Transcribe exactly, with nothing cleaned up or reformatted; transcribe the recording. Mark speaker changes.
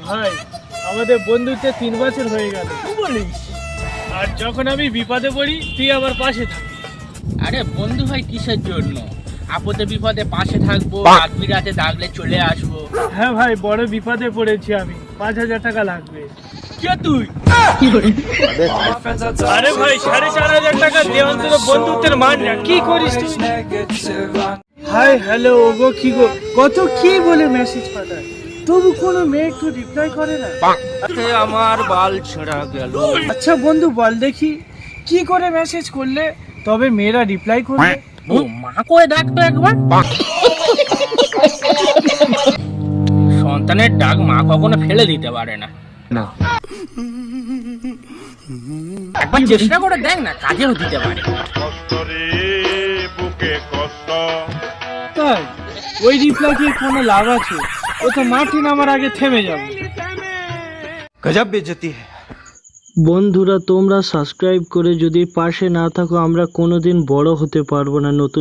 Speaker 1: ভাই আমাদের বন্ধুত্বে তিন বছর হয়ে গেল বলিস, আর যখন আমি বিপদে পড়ি তুই আমার পাশে থাকিস।
Speaker 2: আরে বন্ধু ভাই কিসের জন্য? আপদে বিপদে পাশে থাকবো, রাত বিরাতে ডাকলে চলে আসবো।
Speaker 1: হ্যাঁ ভাই, বড় বিপদে পড়েছি আমি, পাঁচ হাজার টাকা লাগবে।
Speaker 2: কে তুই?
Speaker 1: আরে ভাই সাড়ে চার হাজার টাকা দে, অন্তত বন্ধুত্বের মান না। কি করিস তুই? হাই হ্যালো ওগো, কি গো, কত কি বলে মেসেজ পাঠায়, তবু কোনো মেয়ে একটু রিপ্লাই করে না।
Speaker 2: আমার বাল ছেঁড়া গেল।
Speaker 1: আচ্ছা বন্ধু বল দেখি, কি করে মেসেজ করলে তবে মেয়েরা রিপ্লাই করবে?
Speaker 2: ও মা করে ডাকতো একবার। সন্তানের ডাক মা কখনো ফেলে দিতে পারে না।
Speaker 3: না
Speaker 2: একবার চেষ্টা করে দেখ না, কাজেও দিতে পারে।
Speaker 1: তাই ওই রিপ্লাই কি কোনো লাভ আছে? ও তো মাটি নামার আগে থেমে যাবে।
Speaker 3: গজব বেজতি है।
Speaker 1: বন্ধুরা তোমরা সাবস্ক্রাইব করে যদি পাশে না থাকো আমরা কোনোদিন বড় হতে পারবো না। নতুন